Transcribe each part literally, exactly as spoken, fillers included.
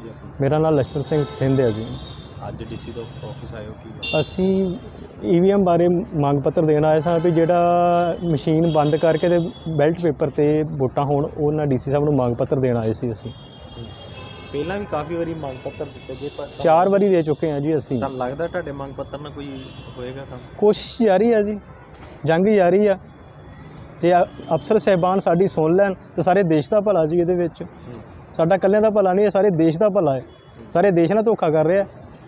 ਜੀ ਆਪਣਾ? ਮੇਰਾ ਨਾਮ ਲక్ష్మణ ਸਿੰਘ ਥਿੰਦ ਹੈ ਜੀ। ਅੱਜ ਡੀਸੀ ਦਾ ਆਫਿਸ ਆਇਓ ਕੀ? ਅਸੀਂ ਈਵੀਐਮ ਬਾਰੇ ਮੰਗ ਪੱਤਰ ਦੇਣ ਆਏ ਸਾਂ ਵੀ ਜਿਹੜਾ ਮਸ਼ੀਨ ਬੰਦ ਕਰਕੇ ਤੇ ਬੈਲਟ ਪੇਪਰ ਤੇ ਵੋਟਾਂ ਹੋਣ, ਉਹਨਾਂ ਡੀਸੀ ਸਾਹਿਬ ਨੂੰ ਮੰਗ ਪੱਤਰ ਦੇਣ ਆਏ ਸੀ। ਅਸੀਂ ਪਹਿਲਾਂ ਵੀ ਕਾਫੀ ਵਾਰੀ ਮੰਗ ਪੱਤਰ ਦਿੱਤੇ ਗਏ ਪਰ ਚਾਰ ਵਾਰੀ ਦੇ ਚੁੱਕੇ ਹਾਂ ਜੀ। ਅਸੀਂ ਤੁਹਾਨੂੰ ਲੱਗਦਾ ਤੁਹਾਡੇ ਮੰਗ ਪੱਤਰ ਨਾਲ ਕੋਈ ਹੋਏਗਾ ਕੰਮ? ਕੋਸ਼ਿਸ਼ ਜਾਰੀ ਆ ਜੀ, ਜੰਗ ਜਾਰੀ ਆ। ਜੇ ਅਫਸਰ ਸਾਹਿਬਾਨ ਸਾਡੀ ਸੁਣ ਲੈਣ ਤਾਂ ਸਾਰੇ ਦੇਸ਼ ਦਾ ਭਲਾ ਜੀ। ਇਹਦੇ ਵਿੱਚ ਸਾਡਾ ਇਕੱਲਿਆਂ ਦਾ ਭਲਾ ਨਹੀਂ ਹੈ, ਸਾਰੇ ਦੇਸ਼ ਦਾ ਭਲਾ ਹੈ। ਸਾਰੇ ਦੇਸ਼ ਨਾਲ ਧੋਖਾ ਕਰ ਰਿਹਾ।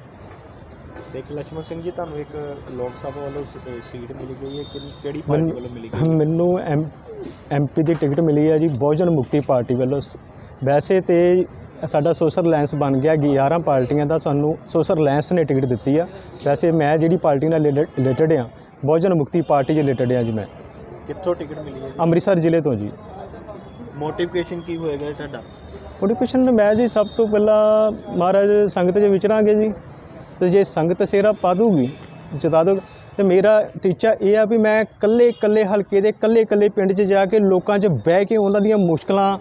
ਦੇਖ ਲక్ష్మణ ਸਿੰਘ ਜੀ, ਤੁਹਾਨੂੰ ਇੱਕ ਲੋਕ ਸਭਾ ਵੱਲੋਂ ਸੀਟ ਮਿਲੀ ਗਈ ਹੈ, ਕਿਹੜੀ ਪਾਰਟੀ ਵੱਲੋਂ ਮਿਲੀ ਗਈ? ਮੈਨੂੰ ਐਮ ਐਮਪੀ ਦੀ ਟਿਕਟ ਮਿਲੀ ਹੈ ਜੀ, ਬਹੁਜਨ ਮੁਕਤੀ ਪਾਰਟੀ ਵੱਲੋਂ। ਵੈਸੇ ਤੇ ਸਾਡਾ ਸੋਸ਼ਲ ਅਲਾਇੰਸ ਬਣ ਗਿਆ, ਗਿਆਰਾਂ ਪਾਰਟੀਆਂ ਦਾ ਸਾਨੂੰ ਸੋਸ਼ਲ ਅਲਾਇੰਸ ਨੇ ਟਿਕਟ ਦਿੱਤੀ ਆ। ਵੈਸੇ ਮੈਂ ਜਿਹੜੀ ਪਾਰਟੀ ਨਾਲ ਰਿਲੇਟਡ ਆ, ਬਹੁਜਨ ਮੁਕਤੀ ਪਾਰਟੀ 'ਚ ਰਿਲੇਟਡ ਆ ਜੀ। ਮੈਂ ਕਿੱਥੋਂ ਟਿਕਟ ਮਿਲੀ ਹੈ? ਅੰਮ੍ਰਿਤਸਰ ਜ਼ਿਲ੍ਹੇ ਤੋਂ ਜੀ। ਮੋਟੀਵੇਸ਼ਨ ਕੀ ਹੋਏਗਾ ਤੁਹਾਡਾ? ਮੋਟੀਵੇਸ਼ਨ ਮੈਂ ਜੀ ਸਭ ਤੋਂ ਪਹਿਲਾਂ ਮਹਾਰਾਜ ਸੰਗਤ 'ਚ ਵਿਚਰਾਂਗੇ ਜੀ, ਤੇ ਜੇ ਸੰਗਤ ਸੇਰਾ ਪਾ ਦੂਗੀ, ਜਤਾ ਦੂਗੀ, ਤੇ ਮੇਰਾ ਟੀਚਾ ਇਹ ਆ ਵੀ ਮੈਂ ਇਕੱਲੇ ਇਕੱਲੇ ਹਲਕੇ ਦੇ ਇਕੱਲੇ ਇਕੱਲੇ ਪਿੰਡ 'ਚ ਜਾ ਕੇ ਲੋਕਾਂ 'ਚ ਬਹਿ ਕੇ ਉਹਨਾਂ ਦੀਆਂ ਮੁਸ਼ਕਲਾਂ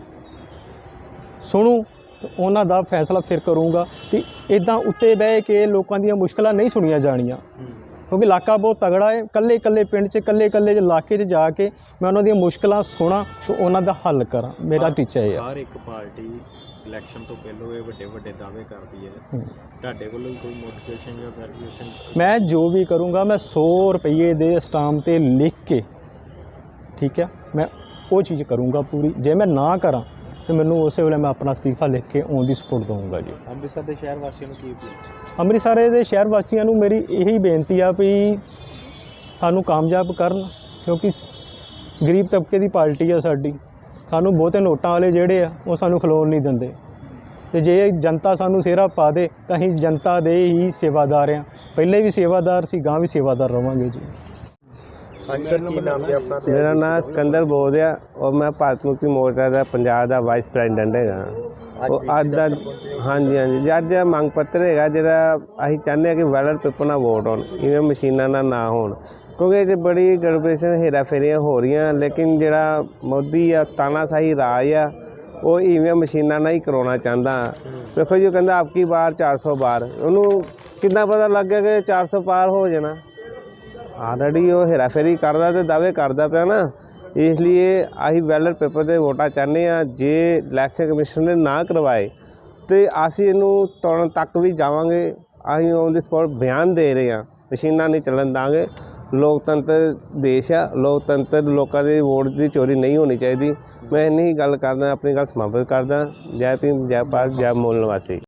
ਸੁਣੂ ਤੇ ਉਹਨਾਂ ਦਾ ਫੈਸਲਾ ਫਿਰ ਕਰੂੰਗਾ। ਕਿ ਇੱਦਾਂ ਉੱਤੇ ਬਹਿ ਕੇ ਲੋਕਾਂ ਦੀਆਂ ਮੁਸ਼ਕਲਾਂ ਨਹੀਂ ਸੁਣੀਆਂ ਜਾਣੀਆਂ, ਕਿਉਂਕਿ ਇਲਾਕਾ ਬਹੁਤ ਤਗੜਾ ਹੈ। ਇਕੱਲੇ ਇਕੱਲੇ ਪਿੰਡ 'ਚ ਇਕੱਲੇ ਇਕੱਲੇ ਇਲਾਕੇ 'ਚ ਜਾ ਕੇ ਮੈਂ ਉਹਨਾਂ ਦੀਆਂ ਮੁਸ਼ਕਲਾਂ ਸੁਣਾ ਤੇ ਉਹਨਾਂ ਦਾ ਹੱਲ ਕਰਾਂ। ਮੇਰਾ ਟੀਚਾ ਇਹ ਹੈ। ਹਰ ਇੱਕ ਪਾਰਟੀ ਇਲੈਕਸ਼ਨ ਤੋਂ ਪਹਿਲਾਂ ਇਹ ਵੱਡੇ ਵੱਡੇ ਦਾਅਵੇ ਕਰਦੀ ਹੈ, ਤੁਹਾਡੇ ਵੱਲੋਂ ਕੋਈ ਮੋਟੀਵੇਸ਼ਨ ਜਾਂ ਗ੍ਰੈਜੂਏਸ਼ਨ? ਮੈਂ ਜੋ ਵੀ ਕਰੂੰਗਾ ਮੈਂ ਸੌ ਰੁਪਈਏ ਦੇ ਸਟਾਂਪ 'ਤੇ ਲਿਖ ਕੇ, ਠੀਕ ਹੈ, ਮੈਂ ਉਹ ਚੀਜ਼ ਕਰੂੰਗਾ ਪੂਰੀ। ਜੇ ਮੈਂ ਨਾ ਕਰਾਂ ਤੇ ਮੈਨੂੰ ਉਸੇ ਵੇਲੇ ਮੈਂ ਆਪਣਾ ਅਸਤੀਫਾ ਲਿਖ ਕੇ ਔਨ ਦੀ ਸਪੋਰਟ ਦਊਂਗਾ ਜੀ। ਅੰਮ੍ਰਿਤਸਰ ਦੇ ਸ਼ਹਿਰ ਵਾਸੀਆਂ ਨੂੰ ਕੀ ਅਪੀਲ? ਅੰਮ੍ਰਿਤਸਰ ਦੇ ਸ਼ਹਿਰ ਵਾਸੀਆਂ ਨੂੰ ਮੇਰੀ ਇਹੀ ਬੇਨਤੀ ਆ ਵੀ ਸਾਨੂੰ ਕਾਮਯਾਬ ਕਰਨ, ਕਿਉਂਕਿ ਗਰੀਬ ਤਬਕੇ ਦੀ ਪਾਰਟੀ ਆ ਸਾਡੀ। ਸਾਨੂੰ ਬਹੁਤੇ ਨੋਟਾਂ ਵਾਲੇ ਜਿਹੜੇ ਆ ਉਹ ਸਾਨੂੰ ਖਲੋਣ ਨਹੀਂ ਦਿੰਦੇ, ਤੇ ਜੇ ਜਨਤਾ ਸਾਨੂੰ ਸਿਹਰਾ ਪਾ ਦੇ ਤਾਂ ਅਸੀਂ ਜਨਤਾ ਦੇ ਹੀ ਸੇਵਾਦਾਰ ਹਾਂ। ਪਹਿਲੇ ਵੀ ਸੇਵਾਦਾਰ ਸੀ, ਗਾਂ ਵੀ ਸੇਵਾਦਾਰ ਰਵਾਂਗੇ ਜੀ। ਹਾਂਜੀ ਸਰ, ਕੀ ਨਾਮ ਜੀ ਆਪਣਾ? ਮੇਰਾ ਨਾਮ ਸਿਕੰਦਰ ਬੋਧ ਆ ਔਰ ਮੈਂ ਭਾਰਤ ਮੁਕਤੀ ਮੋਰਚਾ ਦਾ ਪੰਜਾਬ ਦਾ ਵਾਈਸ ਪ੍ਰੈਜ਼ੀਡੈਂਟ ਹੈਗਾ। ਉਹ ਅੱਜ ਦਾ ਹਾਂਜੀ ਹਾਂਜੀ ਅੱਜ ਮੰਗ ਪੱਤਰ ਹੈਗਾ ਜਿਹੜਾ ਅਸੀਂ ਚਾਹੁੰਦੇ ਹਾਂ ਕਿ ਬੈਲਟ ਪੇਪਰ ਨਾਲ ਵੋਟ ਹੋਣ, ਇਵੇਂ ਮਸ਼ੀਨਾਂ ਨਾਲ ਨਾ ਹੋਣ, ਕਿਉਂਕਿ ਇਹ 'ਚ ਬੜੀ ਗੜਬੜੇਸ਼ਨ ਹੇਰਾ ਫੇਰੀਆਂ ਹੋ ਰਹੀਆਂ। ਲੇਕਿਨ ਜਿਹੜਾ ਮੋਦੀ ਆ ਤਾਨਾਸ਼ਾਹੀ ਰਾਜ ਆ, ਉਹ ਇਵੇਂ ਮਸ਼ੀਨਾਂ ਨਾਲ ਹੀ ਕਰਾਉਣਾ ਚਾਹੁੰਦਾ। ਵੇਖੋ ਜੀ, ਉਹ ਕਹਿੰਦਾ ਆਪਕੀ ਵਾਰ ਚਾਰ ਸੌ ਬਾਰ, ਉਹਨੂੰ ਕਿੰਨਾ ਪਤਾ ਲੱਗ ਗਿਆ ਕਿ ਚਾਰ ਸੌ ਪਾਰ ਹੋ ਜਾਣਾ। ਆਲਰੇਡੀ ਉਹ ਹੇਰਾ ਫੇਰੀ ਕਰਦਾ ਤੇ ਦਾਅਵੇ ਕਰਦਾ ਪਿਆ ਨਾ। ਇਸ ਲਈ ਅਸੀਂ ਬੈਲਟ ਪੇਪਰ 'ਤੇ ਵੋਟਾਂ ਚਾਹੁੰਦੇ ਹਾਂ। ਜੇ ਇਲੈਕਸ਼ਨ ਕਮਿਸ਼ਨ ਨੇ ਨਾ ਕਰਵਾਏ ਤਾਂ ਅਸੀਂ ਇਹਨੂੰ ਤੋੜਨ ਤੱਕ ਵੀ ਜਾਵਾਂਗੇ। ਅਸੀਂ ਔਨ ਦੀ ਸਪੋਟ ਬਿਆਨ ਦੇ ਰਹੇ ਹਾਂ, ਮਸ਼ੀਨਾਂ ਨਹੀਂ ਚੱਲਣ ਦਾਂਗੇ। ਲੋਕਤੰਤਰ ਦੇਸ਼ ਆ, ਲੋਕਤੰਤਰ ਲੋਕਾਂ ਦੇ ਵੋਟ ਦੀ ਚੋਰੀ ਨਹੀਂ ਹੋਣੀ ਚਾਹੀਦੀ। ਮੈਂ ਇੰਨੀ ਹੀ ਗੱਲ ਕਰਦਾ, ਆਪਣੀ ਗੱਲ ਸਮਾਪਤ ਕਰਦਾ। ਜੈ ਭੀਮ, ਜੈ ਭਾਰਤ, ਜੈ ਮੂਲ ਨਿਵਾਸੀ।